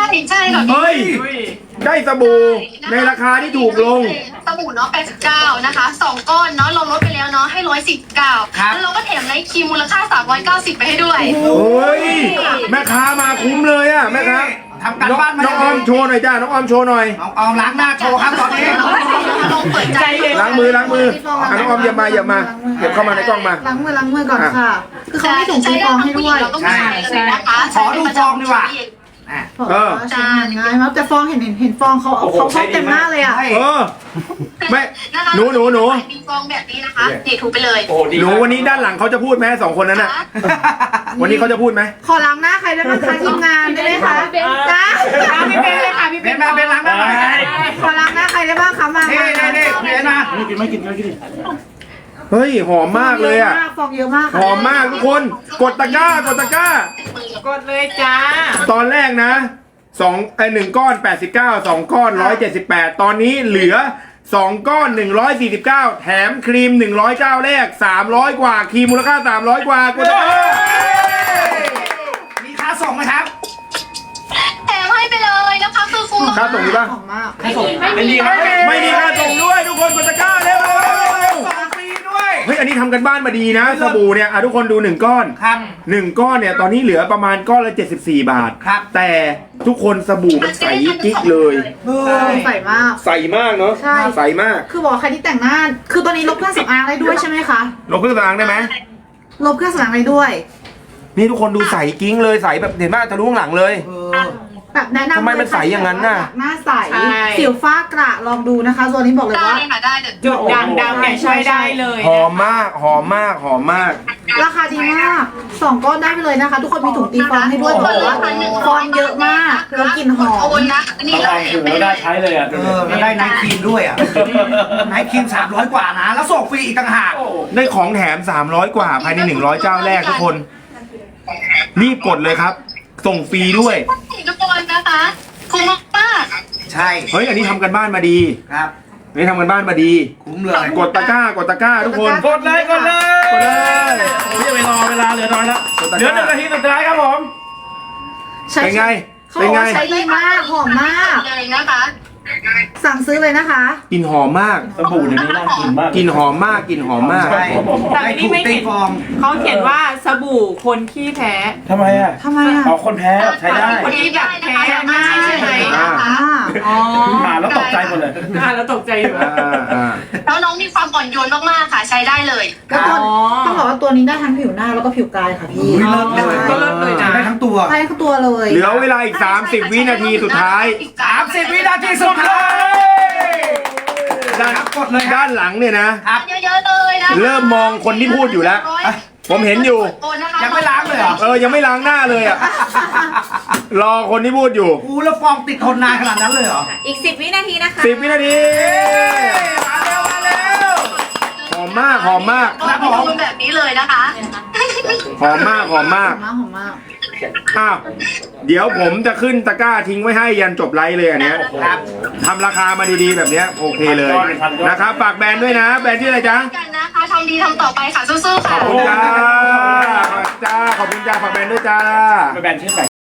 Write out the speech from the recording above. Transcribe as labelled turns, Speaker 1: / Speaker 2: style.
Speaker 1: ใช่ค่ะ
Speaker 2: เฮ้ยได้สบู่ในราคาที่ถูกลง
Speaker 1: สบู่เนาะ89นะคะ2ก้อนเนาะเราลดไปแล้วเนาะให้149แล้วเราก็แถมไนท์ครีมมูลค่า390ไปให้ด้วย
Speaker 2: โอ้ยแม่ค้ามาคุ้มเลยอ่ะแม่ค้า
Speaker 3: ทำการบ้านมา
Speaker 2: น้องออมโชว์หน่อยจ้าน้องออมโชว์หน่อย
Speaker 3: น้องออมล้างหน้าโชว์ครับตอนนี้
Speaker 1: ลองเปิดใจเลย
Speaker 2: ล้างมือน้องออมอย่ามาเก็บเข้ามาในกล้องมา
Speaker 4: ล้างมือก่อนค่ะ คือเขาไม่ถุงตีฟองให้ด้วย
Speaker 3: ใช่ขอดูฟองดีกว่า
Speaker 4: ใช่ง่ายมากแต่ฟองเห็นฟองเขาเต็มหน้าเลยอ่ะ
Speaker 2: ไม่หนู
Speaker 1: มีฟองแบบนี้นะคะนี่ถูไปเลย
Speaker 2: หนูวันนี้ด้านหลังเขาจะพูดไหมสองคนนั้นน่ะวันนี้เขาจะพูดไหม
Speaker 4: ขอล้างหน้าใครได้บ้างคะทีมงานได้ไหมคะจ้าพี่เป็นเลยค่ะพี่
Speaker 3: เป็นมาเป็นล้างหน้าหน่อย
Speaker 4: ขอล้างหน้าใครได้บ้างคะมา
Speaker 3: นี่เป็นมา
Speaker 2: เฮ้ยหอมมากเลยอ่ะ
Speaker 4: ฟองเยอะมาก
Speaker 2: หอมมากทุกคนกดตะกร้ากดเลยจ้าตอนแรกนะ1 ก้อน89 2 ก้อน178ตอนนี้เหลือ2 ก้อน149แถมครีม100เจ้าแรก300กว่าครีมมูลค่า300กว่ากดตะกร้า
Speaker 3: มีค่าส่งไหมครับ
Speaker 1: แถมให้ไปเลยนะคะคือคุ้ม
Speaker 2: ค่าส่งดีป่ะ
Speaker 4: หอมมาก
Speaker 3: ค่าส่ง
Speaker 2: ไม่มีค่าส่งด้วยทุกคนกดตะกร้าเร็ว
Speaker 3: ส่งฟรีด้วย
Speaker 2: เฮ้ยอันนี้ทำกันบ้านมาดีนะสบู่เนี่ยทุกคนดู1ก้อน
Speaker 3: ครับ
Speaker 2: 1ก้อนเนี่ยตอนนี้เหลือประมาณก้อนละ74 บาท
Speaker 3: ครับ
Speaker 2: แต่ทุกคนสบู่มันใสกิ๊กเลย
Speaker 4: ใส่มาก
Speaker 2: ใสมากเนาะ
Speaker 4: ใช่
Speaker 2: ใสมาก
Speaker 4: คือบอกใครที่แต่งหน้า คือตัวนี้ลบเครื่องสำอางได้ด้วยใช่ไหมคะ
Speaker 2: ลบเครื่องสำอางได้ไหม
Speaker 4: ลบเครื่องสำอางได้ด้วย
Speaker 2: นี่ทุกคนดูใสกิ้งเลยใสแบบเห็นไหมทะลุข้างหลังเลย
Speaker 4: แบบแนะนำ
Speaker 2: ทำไมมันใสอย่างนั้นน่ะ
Speaker 4: หน้าใสสิวฟ้ากระลองดูนะคะตัวนี้บอกเลย
Speaker 1: ได้
Speaker 4: ว่า
Speaker 1: ค่ะได้เดี๋ยว
Speaker 5: จุดด่างดำเนี่ยช่วยได้เลย
Speaker 2: หอมมากหอมมากหอมมาก
Speaker 4: ราคาดีมาก2ก้อนได้ไปเลยนะคะ ทุกคนมีถุงตีฟองให้ด้วยบอกว่าฟองเยอะมากแล้วกลิ่นหอ
Speaker 1: โอ
Speaker 4: ม
Speaker 1: นนะนี่เราแถมไปเลย
Speaker 6: ได้ใช้เลยอ่ะ
Speaker 3: แล้วได้ไนท์ครีมด้วยอ่ะไนท์ครีม300กว่านะแล้วส่งฟรีอีกต่างหาก
Speaker 2: ได้ของแถม300กว่าภายใน100เจ้าแรกทุกคนรีบกดเลยครับ ส่งฟรีด้วย
Speaker 1: ทุกคนนะคะคุ้มมาก
Speaker 3: ใช่
Speaker 2: เฮ้ยอันนี้ทำกันบ้านมาดี
Speaker 3: ครับ
Speaker 2: นี่ทำกันบ้านมาดี
Speaker 3: คุ้มเลย
Speaker 2: กดตะกร้าทุกคน
Speaker 6: กดเลย
Speaker 2: กดเลย
Speaker 6: ผมจะไปรอเวลาเหลือน้อยแล้ว
Speaker 2: กดตะก
Speaker 6: เหลือ
Speaker 2: ร้า
Speaker 6: 1 นาทีสุดท้ายครับผม
Speaker 2: เป็นไง
Speaker 4: เขาบอกว่าใช้ดีมากหอมมาก
Speaker 1: เลยนะคะ
Speaker 4: สั่งซื้อเลยนะคะ
Speaker 2: กลิ่นหอมมาก
Speaker 6: สบู่เดี๋ยวนี้น่ากินมาก
Speaker 2: กลิ่นหอมมากกลิ่นหอมมาก
Speaker 3: ใช่
Speaker 5: แต่
Speaker 3: ได้
Speaker 5: นี่
Speaker 3: ถูก
Speaker 5: ไม่
Speaker 3: ตี
Speaker 5: เห็น
Speaker 3: ฟอง
Speaker 5: เขาเขียนว่าสบู่คนขี้แพ้
Speaker 6: ทำไมอ่ะ
Speaker 4: ทำไมอ่ะ
Speaker 6: เอาคนแพ้ใช้ได้
Speaker 5: คนที่แบบแพ้มากใช่ไหม
Speaker 2: อ่า
Speaker 5: อ๋อ
Speaker 6: อ่านแล้วตกใจหมดเลย
Speaker 5: แล้วตกใจอยู่
Speaker 1: แล้วน้องมีความอ่อนโยนมากๆค่ะใช้ได้เลย
Speaker 4: แล้วตัวต้องบอกว่าตัวนี้ได้ทั้งผิวหน้าแล้วก็ผิวกายค่ะพี่
Speaker 3: อุ๊ยเลิศเลย
Speaker 5: ก็เลิศเลยนะ
Speaker 3: ได้ทั้งตัว
Speaker 4: ใช้ทั้งตัวเลย
Speaker 2: เหลือเวลาอีก30 วินาทีสุดท้าย
Speaker 3: 30 วินาทีสุดท้าย ครับกดเลยครับ
Speaker 2: ด้านหลังเนี่ยนะ
Speaker 3: ครับ
Speaker 1: เยอะๆเลยนะ
Speaker 2: เริ่มมองคนที่พูดอยู่แล้ว ผมเห็นอยู่
Speaker 3: ยังไม่ล้างเลยเหรอ
Speaker 2: ยังไม่ล้างหน้าเลยอ่ะ รอคนที่พูดอยู่
Speaker 3: อู้แล้วฟองติดทนนานขนาดนั้นเลยเหรอ
Speaker 5: อีก10 วินาทีนะคะ
Speaker 2: 10 วินาที
Speaker 3: มาเร็วมาเร็ว
Speaker 2: หอมมากหอมมาก
Speaker 1: ครับผมแบบนี้เลยนะคะ
Speaker 2: หอมมากหอมมาก
Speaker 4: หอมมาก
Speaker 2: อ้าวเดี๋ยวผมจะขึ้นตะกร้าทิ้งไว้ให้ยันจบไลฟ์เลยอันเนี้ย
Speaker 3: ครับ
Speaker 2: ทำราคามาดีๆแบบเนี้ยโอเคเลยนะครับฝากแบรนด์ด้วยนะ แบรนด์ที่อะไรจ๊ะ
Speaker 1: กันนะคะทำดีทำต่อไปค่ะสู้ๆ
Speaker 2: ข
Speaker 1: ค่ะ
Speaker 2: อบคุณจ้าขอบคุณจ้าฝากแบรนด์ด้วยจ้า
Speaker 6: ไปแบนชื่อไหน